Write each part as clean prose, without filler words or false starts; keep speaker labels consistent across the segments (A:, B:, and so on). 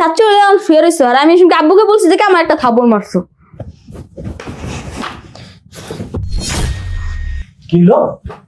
A: চাচু এখন শুয়ে রয়েছো আর আমি আব্বুকে বলছি যে আমার একটা থাপড় মারছো।
B: কি হলো?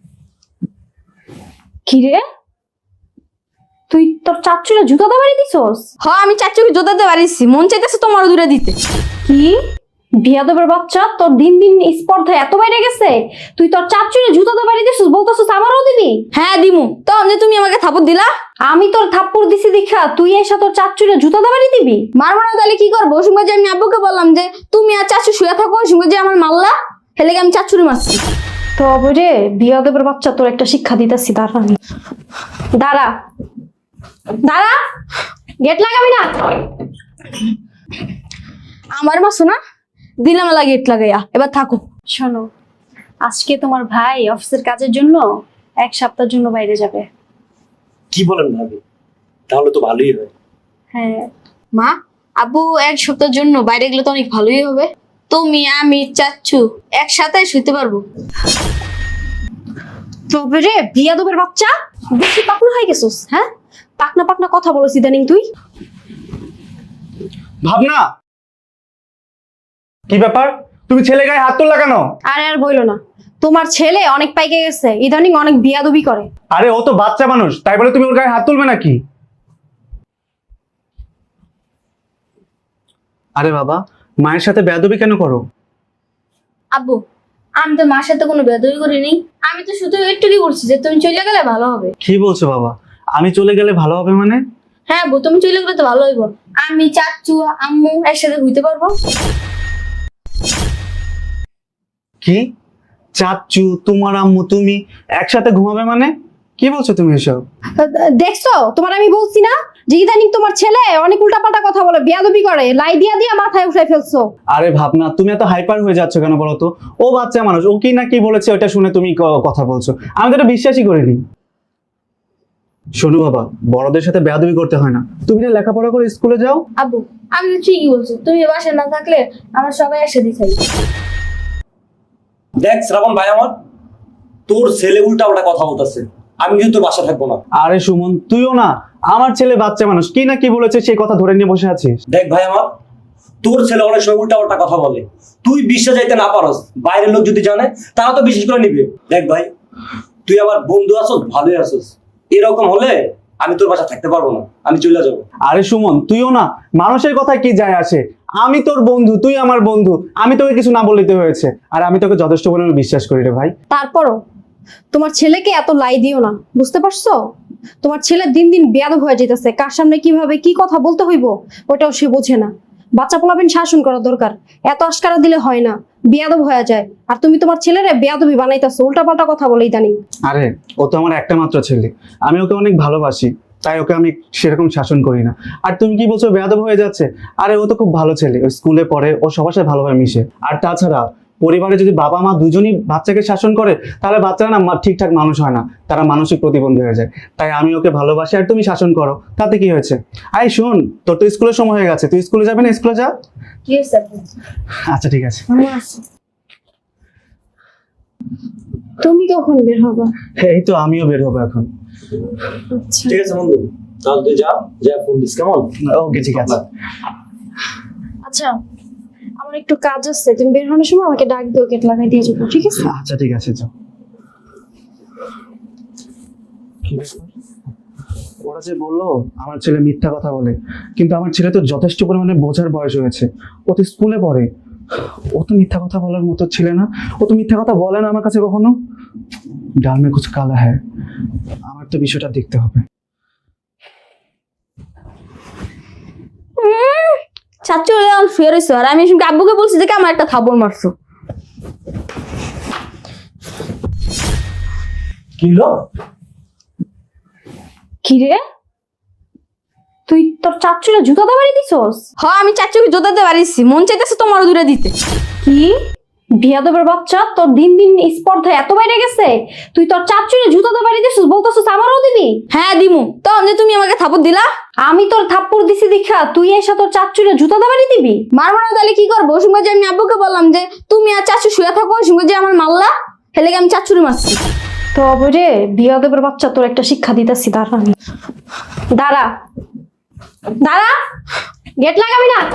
C: কি রে, তুই তোর চাচুরে জুতা দিয়ে বাড়ি দিছস?
A: হ্যাঁ আমি চাচুকে জোতাতে পারিছি, মন চাইতেছে তোমারও দূরে দিতে।
C: কি বিয়াদবের বাচ্চা, তোর দিন দিন স্পর্ধা এত বাইরে গেছে, তুই তোর চাচুরে জুতা দিয়ে বাড়ি দিছস, বলতেছস আমারও দিবি?
A: হ্যাঁ দিমু, তখন যে তুমি আমাকে থাপড় দিলা।
C: আমি তোর থাপ্পড় দিছি দেখা তুই এসে তোর চাচুরে জুতা দিয়ে বাড়ি দিবি?
A: মারবো না তাহলে কি করবো? ওই সময় যে আমি আব্বুকে বললাম যে তুমি আর চাচু শুয়ে থাকো, ওই সময় যে আমার মারলা, হেলে আমি চাচুরে মারছি।
C: তবে রে বিয়াদবের বাচ্চা, তোর একটা শিক্ষা দিতেছি, দাঁড়া আমি। দাঁড়া দাঁড়া, গেট লাগাবি না।
A: আমার মাসো না, দিলাম লাগে ইট লাগাইয়া, এবার থাকো।
C: শোনো, আজকে তোমার ভাই অফিসের কাজের জন্য 1 সপ্তাহের জন্য বাইরে যাবে।
B: কি বলেন ভাবি? তাহলে তো ভালোই হয়।
C: হ্যাঁ,
A: মা, আব্বু 1 সপ্তাহের জন্য বাইরে গেলে তো অনেক ভালোই হবে। তুমি আমি চাচ্ছু একসাথে শুইতে পারবো।
C: তবে রে বিয়াদবের বাচ্চা, বেশি পাকনা হয়ে গেছিস। হ্যাঁ, পাকনা পাকনা কথা বলছিস ইদানিং তুই।
D: ভাবনা, কি ব্যাপার? তুমি ছেলে গায়ে হাত তুললা কেন?
C: আরে আর বইলো না, তোমার ছেলে অনেক পাইকে গেছে, ইদানিং অনেক বিয়াদবি করে।
D: আরে ও তো বাচ্চা মানুষ, তাই বলে তুমি ওর গায়ে হাত তুলবে নাকি? আরে বাবা, মায়ের সাথে বেয়াদবি কেন করো?
A: আব্বু, আমি তো মার সাথে কোনো বেদবি করিনি, আমি তো শুধু একটুই বলছি যে তুমি চলে গেলে ভালো হবে।
D: কি বলছো বাবা? আমি চলে গেলে ভালো হবে মানে?
A: হ্যাঁ আব্বু, তুমি চলে গেলে তো ভালো হইব। আমি চাচ্ছু আম্মু একসাথে হইতে পারবো।
D: কি? চাচ্চু, তোমার আম্মু, তুমি একসাথে ঘুমাবে মানে? কি বলছো তুমি এসব?
C: দেখছো, তোমার আমি বলছি না যে ইদানিং তোমার ছেলে অনেক উল্টাপাল্টা কথা বলে, বিয়াদবি করে, লাই দিয়া দিয়া মাথায় উঠাই ফেলছো।
D: আরে ভাবনা, তুমি এত হাইপার হয়ে যাচ্ছ কেন বলো তো? ও বাচ্চা মানুষ, ও কি না কি বলেছে ওটা শুনে তুমি কথা বলছো। আমি তো এটা বিশ্বাসই করিনি। শোনো বাবা, বড়দের সাথে বেয়াদবি করতে হয় না। তুমি না লেখাপড়া করে স্কুলে যাও।
A: আব্বু, আমি তো ঠিকই বলছো, তুমি বাসায় না থাকলে আমরা সবাই একসাথে খাই।
B: দেখ শ্রাবণ ভাই, আমার তোর ছেলে উল্টা পাল্টা কথা বলতেছে, আমি কিন্তু তোর বাসা থাকবো না।
D: আরে সুমন, তুইও না, আমার ছেলে বাচ্চা মানুষ, কি না কি বলেছে সেই কথা ধরে নিয়ে বসে আছিস।
B: দেখ ভাই আমার, তোর ছেলে অনেক সময় উল্টা পাল্টা কথা বলে, তুই বিশ্বাস যাইতে না পারস, বাইরের লোক যদি জানে তারা তো বিশ্বাস করে নিবে। দেখ ভাই, তুই আমার বন্ধু আসস, ভালোই আসস, এরকম হলে আমি তোর বাসা থাকতে পারবো না, আমি চলে যাবো।
D: আরে সুমন, তুইও না, মানুষের কথা কি যায় আসে? আমি তোর বন্ধু, তুই আমার বন্ধু, আমি তোকে কিছু না বলতে হয়েছে, আর আমি তোকে যথেষ্ট পরিমাণে বিশ্বাস করি রে ভাই।
C: তারপরও তোমার ছেলেকে এত লাই দিও না, বুঝতে পারছো? তোমার ছেলে দিন দিন বেয়াদব হয়ে যেতেছে, কার সামনে কিভাবে কি কথা বলতে হইব ওটাও সে বোঝে না। বাচ্চা পোলাবেন শাসন করা দরকার, এত আশকারা দিলে হয় না, বেয়াদব হয়ে যায়। আর তুমি তোমার ছেলেরে বেয়াদবি বানাইতেছো, উল্টাপাল্টা কথা বলে ইদানিং।
D: আরে ও তো আমার একটা মাত্র ছেলে, আমি ওকে অনেক ভালোবাসি, তাই ওকে আমি সেরকম শাসন করি না। আর তুমি কি বলছো বেয়াদব হয়ে যাচ্ছে? আরে ও তো খুব ভালো ছেলে, ও স্কুলে পড়ে, ও সবার সাথে ভালোভাবে মিশে। আর তাছাড়া পরিবারে যদি বাবা মা দুজনই বাচ্চাকে শাসন করে, তাহলে বাচ্চারা না ঠিকঠাক মানুষ হয় না, তারা মানসিক প্রতিবন্ধী হয়ে যায়। তাই আমি ওকে ভালোবাসি, আর তুমি শাসন করো, তাতে কি হয়েছে? আই শোন, তোর তো স্কুলের সময় হয়ে গেছে, তুই স্কুলে যাবি না? স্কুলে যা।
A: ঠিক আছে আব্বু।
D: আচ্ছা ঠিক আছে।
A: আমি আসছি।
C: তুমি কখন বের হবা?
D: এই তো আমিও বের হবো এখন।
C: আচ্ছা
B: ঠিক আছে বন্ধু, তাহলে তুই যা, যা ফোন দিস, কেমন?
D: ওকে ঠিক আছে।
C: আচ্ছা, আমার একটু কাজ আছে, তুমি বের হওয়ার সময় আমাকে ডাক দিও, গেট লাগাই দিয়ে যাবো, ঠিক আছে?
D: আচ্ছা ঠিক আছে, যাও। কি ব্যাপার? ওরা যে বললো আমার ছেলে মিথ্যা কথা বলে, কিন্তু আমার ছেলে তো যথেষ্ট পরিমাণে বোঝার বয়স হয়েছে, ও তো স্কুলে পড়ে, ও তো মিথ্যা কথা বলার মতো ছেলে না, ও তো মিথ্যা কথা বলে না আমার কাছে কখনো। ডাল মে কুছ কালা হ্যায়, আমার তো বিষয়টা দেখতে হবে।
A: চাচু এখন শুয়ে রয়েছো আর আমি আব্বুকে বলছি যে আমার একটা থাপড় মারছো।
B: কি হলো?
C: কি রে, তুই তোর চাচুরে জুতা দিয়ে বাড়ি দিছস?
A: হ্যাঁ আমি চাচুকে জোতাতে পারিছি, মন চাইতেছে তোমারও দূরে দিতে।
C: কি বিয়াদবের বাচ্চা, তোর দিন দিন স্পর্ধা এত বাইরে গেছে, তুই তোর চাচুরে জুতা দিয়ে বাড়ি দিছস, বলতেছস আমারও দিবি?
A: হ্যাঁ দিমু, তখন যে তুমি আমাকে থাপড় দিলা।
C: আমি তোর থাপ্পড় দিছি দেখা তুই এসে তোর চাচুরে জুতা দিয়ে বাড়ি দিবি?
A: মারবো না তাহলে কি করবো? ওই সময় যে আমি আব্বুকে বললাম যে তুমি আর চাচু শুয়ে থাকো, ওই সময় যে আমার মারলা, হেলে আমি চাচুরে মারছি।
C: তবে রে বিয়াদবের বাচ্চা, তোর একটা শিক্ষা দিতেছি, দাঁড়া আমি। দাঁড়া দাঁড়া, গেট লাগাবি না।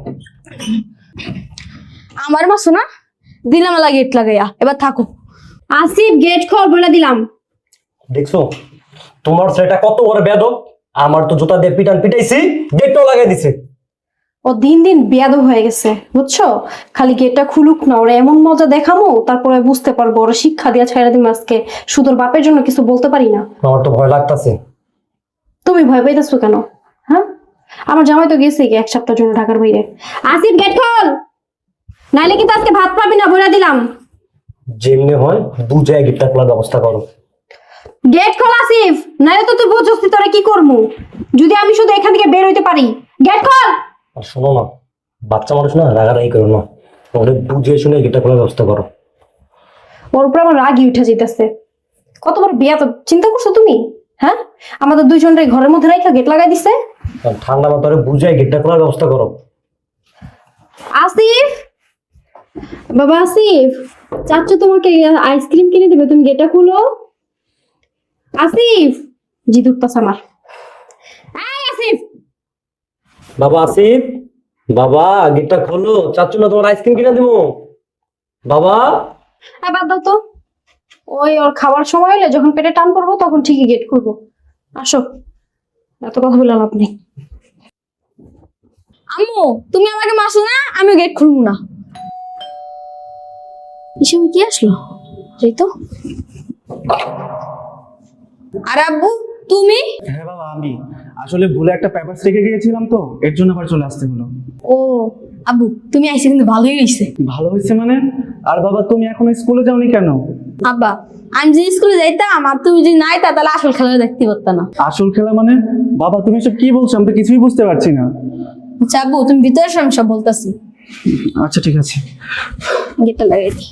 A: আমার মাসো না দিলাম লাগে গেট লাগাইয়া, এবার থাকো।
C: আসিফ গেট খোল বলে দিলাম।
B: দেখছো তোমার ছেলেটা কত বড় বেয়াদব, আমার তো জুতা দিয়ে পিটাইছি, গেটটাও লাগাই দিছে।
C: ও দিন দিন বেয়াদব হয়ে গেছে বুঝছো, খালি গেটটা খুলুক না, ওরা এমন মজা দেখামো তারপরে বুঝতে পারবো, ওরা শিক্ষা দিয়া ছাইড়া দিম আজকে। শুধু ওর বাপের জন্য কিছু বলতে পারি না।
B: আমার তো ভয় লাগতাছে।
C: তুমি ভয় পাইতেছো কেন? হ্যাঁ, আমার জামাই তো গেছে কি 1 সপ্তাহের জন্য ঢাকার বাইরে। আসিফ গেট খোল, নাইলে কিন্তু আজকে ভাত পাবি না বলে দিলাম।
B: যেমনি হয় বুঝে গেটটা খোলার ব্যবস্থা করো।
C: গেট খোল আসিফ, নাইলে তো তুই বুঝছিস তোরা কি করমু যদি আমি শুধু এখান থেকে বের হইতে পারি। গেট খোল।
B: আর শোনো না, বাচ্চা মানুষ না, রাগারাগি করো না, অনেক বুঝে শুনে গেটটা খোলার ব্যবস্থা করো।
C: ওর উপর আমার রাগই উঠে যেতেছে। কতবার বিয়া তো চিন্তা করছো তুমি? হ্যাঁ, আমাদের দুইজনের ঘরের মধ্যে রাখা গেট লাগাই দিছে।
B: আর ঠান্ডা মাথায় বুঝে গেটটা খোলার ব্যবস্থা করো।
C: আসিফ, বাবা আসিফ, চাচ্চু তোমাকে আইসক্রিম কিনে দেবে, তুমি গেটটা খুলো। আসিফ, জিদুত্তাস আমার। এই আসিফ,
B: বাবা আসিফ, বাবা গেটটা খোলো, চাচ্ছু না তোমার আইসক্রিম কিনে দেবো। বাবা
C: বাদ দাও তো, ওই ওর খাবার সময় হলে যখন পেটে টান পড়বো তখন ঠিকই গেট খুলবো। আসো, এত কথা বলে লাভ নেই।
A: আম্মু তুমি আমাকে মাসো না, আমি গেট খুলবো না। এসব কি আসলো? এই তো। আর আব্বু তুমি?
D: হ্যাঁ বাবা, আমি আসলে ভুলে একটা পেপার রেখে গিয়েছিলাম, তো এর জন্য আবার চলে আসতে হলো।
A: ও আব্বু তুমি আইসে কিন্তু ভালোই হয়েছে।
D: ভালো হয়েছে মানে? আর বাবা তুমি এখনো স্কুলে যাওনি কেন?
A: আব্বা আমি যদি স্কুলে যাইতাম আর তুমি যদি না আইতা তাহলে আসল খেলা দেখতে পারতাম না।
D: আসল খেলা মানে? বাবা তুমি সব কি বলছো, আমি তো কিছুই বুঝতে পারছি না।
A: আচ্ছা আব্বু তুমি ভিতরে সব সব বলতাছি।
D: আচ্ছা ঠিক আছে।
A: গেটটা লাগাই দি।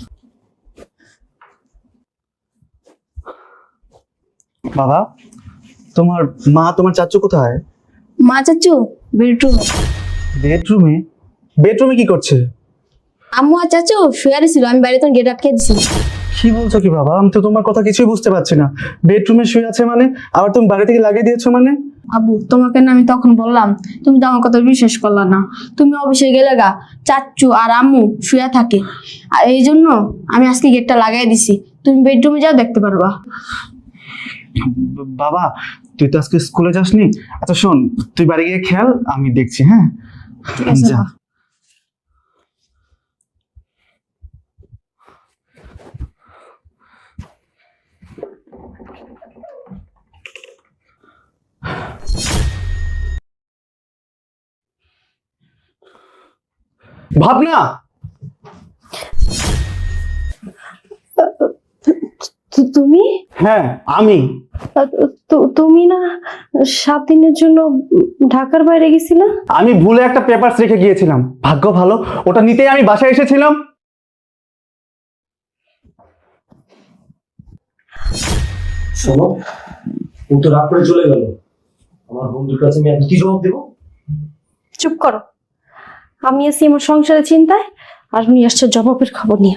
D: বাবা, তোমার মা তোমার চাচু কোথায়?
A: মা চাচু বেডরুম।
D: বেডরুমে? বেডরুমে কি করছে?
A: আম্মু আর চাচু শুয়ে ছিল, আমি বাইরে তখন গেট আটকে দিছি।
D: কি বলছো কি বাবা, আমি তো তোমার কথা কিছুই বুঝতে পারছি না। বেডরুমে শুয়ে আছে মানে, আবার তুমি বাইরে থেকে লাগিয়ে দিয়েছো মানে?
A: আব্বু তোমাকে না আমি তখন বললাম, তুমি তো আমার কথা বিশ্বাস করলা না। তুমি অফিসে গেলে গা চাচু আর আম্মু শুয়ে থাকে, আর এই জন্য আমি আজকে গেটটা লাগাই দিছি। তুমি বেডরুমে যাও, দেখতে পারবা।
D: বাবা তুই তো আজকে স্কুলে যাসনি। আচ্ছা শোন, তুই বাড়ি গিয়ে খেয়াল, আমি দেখছি। হ্যাঁ
A: ঠিক আছে
D: যা।
A: বাবা।
D: ভাবনা,
C: তুমি?
D: হ্যাঁ আমি।
C: তুমি না 7 দিনের জন্য ঢাকার বাইরে গেছিলা?
D: আমি ভুলে একটা পেপার রেখে গিয়েছিলাম, ভাগ্য ভালো ওটা নিতেই আমি বাসায় এসেছিলাম।
B: শোনো, ও তো রাগ করে চলে গেল, আমার বন্ধুর কাছে আমি এখন কি জবাব দেবো?
C: চুপ করো, আমি আছি আমার সংসারের চিন্তায়, আর উনি আসছে জবাবের খবর নিয়ে।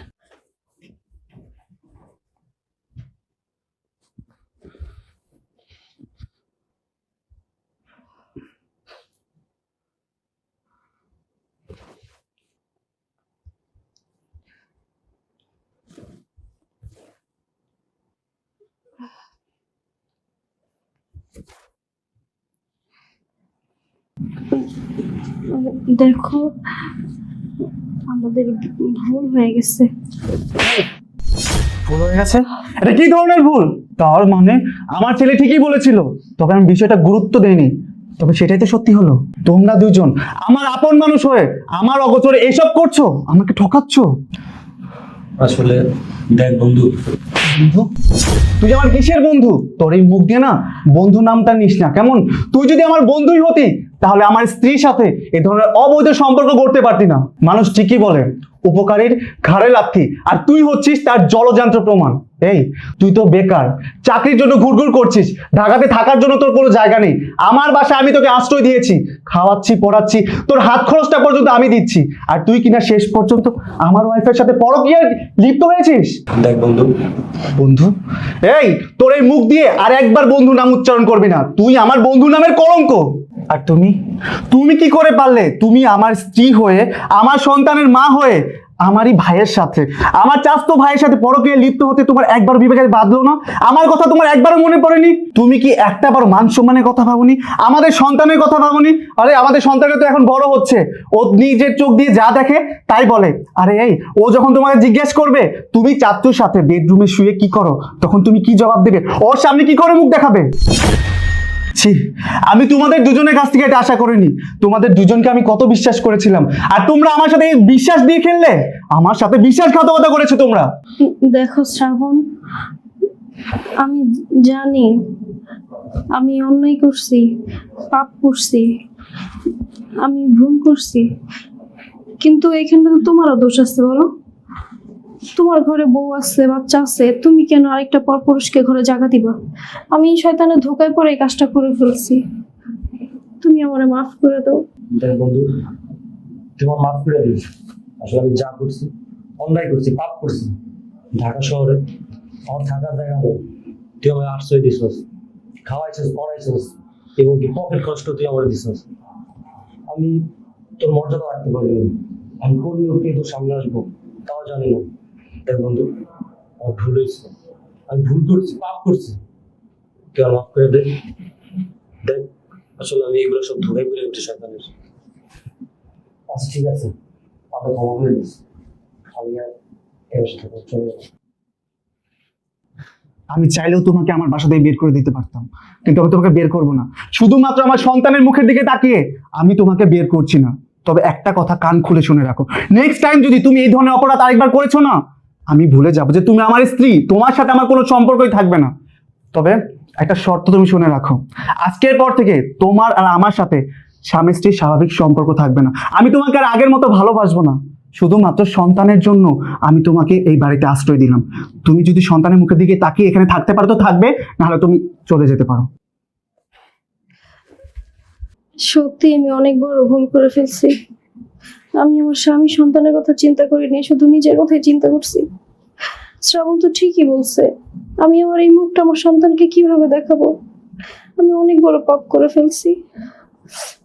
C: দেখো, আমাদের ভুল হয়ে গেছে।
D: ভুল হয়ে গেছে? এটা কি ধরনের ভুল? তার মানে আমার ছেলে ঠিকই বলেছিল, তবে আমি বিষয়টা গুরুত্ব দেইনি। তবে সেটাই তো সত্যি হলো, তোমরা দুজন আমার আপন মানুষ হয়ে আমার অগোচরে এসব করছো, আমাকে ঠকাচ্ছ।
B: আসলে দেখ বন্ধু,
D: বন্ধু? তুই আমার কিসের বন্ধু? তোর এই মুখ দিয়ে না বন্ধু নামটা নিস না কেমন? তুই যদি আমার বন্ধুই হতি তাহলে আমার স্ত্রীর সাথে এ ধরনের অবৈধ সম্পর্ক করতে পারতি না। মানুষ ঠিকই বলে উপকারীর ঘাড়ে লাথি, আর তুই হচ্ছিস তার জলযান্ত্র প্রমাণ। এই তুই তো বেকার, চাকরির জন্য ঘুরঘুর করছিস, ঢাকাতে থাকার জন্য তোর কোনো জায়গা নেই। আমার বাসায় আমি তোকে আশ্রয় দিয়েছি, খাওয়াচ্ছি পড়াচ্ছি, তোর হাত খরচটা পর্যন্ত আমি দিচ্ছি, আর তুই কিনা শেষ পর্যন্ত আমার ওয়াইফের সাথে পরকীয়ায় লিপ্ত হয়েছিস।
B: দেখ বন্ধু,
D: বন্ধু? এই তোর এই মুখ দিয়ে আর একবার বন্ধু নাম উচ্চারণ করবি না, তুই আমার বন্ধু নামের কলঙ্ক। আর তুমি তুমি কি করে পারলে? তুমি আমার স্ত্রী হয়ে, আমার সন্তানের মা হয়ে, আমারই ভাইয়ের সাথে, আমার চাচাতো ভাইয়ের সাথে পরকীয়ায় লিপ্ত হতে তোমার একবার বিবেকে বাঁধলো না? আমার কথা তোমার একবারও মনে পড়েনি? তুমি কি একটা বার মান সম্মানের কথা ভাবনি? আমাদের সন্তানের কথা ভাবনি? আরে আমাদের সন্তানটা তো এখন বড় হচ্ছে, ও নিজের চোখ দিয়ে যা দেখে তাই বলে। আরে এই, ও যখন তোমাকে জিজ্ঞেস করবে তুমি চাচ্চুর সাথে বেডরুমে শুয়ে কি করো, তখন তুমি কি জবাব দেবে? ওর সামনে কি করে মুখ দেখাবে? ছি, আমি তোমাদের দুজনের কাছ থেকে এটা আশা করিনি। তোমাদের দুজনকে আমি কত বিশ্বাস করেছিলাম, আর তোমরা আমার সাথে এই বিশ্বাস দিয়ে খেললে। আমার সাথে বিশ্বাসঘাতকতা করেছো তোমরা।
C: দেখো শ্রাবণ, আমি জানি আমি অন্যায় করছি, পাপ করছি, আমি ভুল করছি, কিন্তু এখানে তো তোমারও দোষ আছে। বলো, তোমার ঘরে বউ আছে, বাচ্চা আছে, তুমি কেন আরেকটা পরপুরুষকে ঘরে জায়গা দিবা? আমি শয়তানের ধোকায় পড়ে এই কাজটা করে ফেলছি, তুমি আমারে মাফ করে দাও।
B: দেখ বন্ধু, তোমার মাফ করে দিস। আসলে আমি যা করছি, অন্যায় করছি, পাপ করছি। ঢাকা শহরে আমার থাকার জায়গা নেই, তুই আমার আশ্রয় দিছস, খাওয়াইছস, পড়াইছস, এবং কি পকেট কষ্ট তুই আমার দিছস। আমি তোর মর্যাদা রাখতে পারিনি। আমি কোন মুহূর্তে তোর সামনে আসবো তাও জানি না। দেখ বন্ধু, আমার ভুল হয়েছে, আমি ভুল করছি, পাপ করছি, তুই আমার মাফ করে দে। দেখ, আসলে আমি এগুলো সব ধরে বলে উঠে শয়তানের। আচ্ছা ঠিক আছে, আপনি ক্ষমা করে দিস, আমি আর এর সাথে চলে যাবো।
D: আমি চাইলেও তোমাকে আমার বাসা থেকে বের করে দিতে পারতাম, কিন্তু আমি তোমাকে বের করবো না। শুধুমাত্র আমার সন্তানের মুখের দিকে তাকিয়ে আমি তোমাকে বের করছি না। তবে একটা কথা কান খুলে শুনে রাখো, নেক্সট টাইম যদি তুমি এই ধরনের অপরাধ আরেকবার করেছো না, আমি ভুলে যাবো যে তুমি আমার স্ত্রী, তোমার সাথে আমার কোনো সম্পর্কই থাকবে না। তবে একটা শর্ত তুমি শুনে রাখো, আজকের পর থেকে তোমার আর আমার সাথে স্বামী স্ত্রীর স্বাভাবিক সম্পর্ক থাকবে না। আমি তোমাকে আর আগের মতো ভালোবাসবো না। শুধুমাত্র সন্তানের জন্য আমি তোমাকে এই বাড়িতে আশ্রয় দিলাম। তুমি যদি সন্তানের মুখের দিকে তাকিয়ে এখানে থাকতে পারো তো থাকবে, নাহলে তুমি চলে যেতে পারো।
C: সত্যি আমি অনেক বড় ভুল করে ফেলছি। আমি আমার স্বামী সন্তানের কথা চিন্তা করিনি, শুধু নিজের কথাই চিন্তা করছি। শ্রাবণ তো ঠিকই বলছে, আমি আমার এই মুখটা আমার সন্তানকে কিভাবে দেখাবো? আমি অনেক বড় পাপ করে ফেলছি।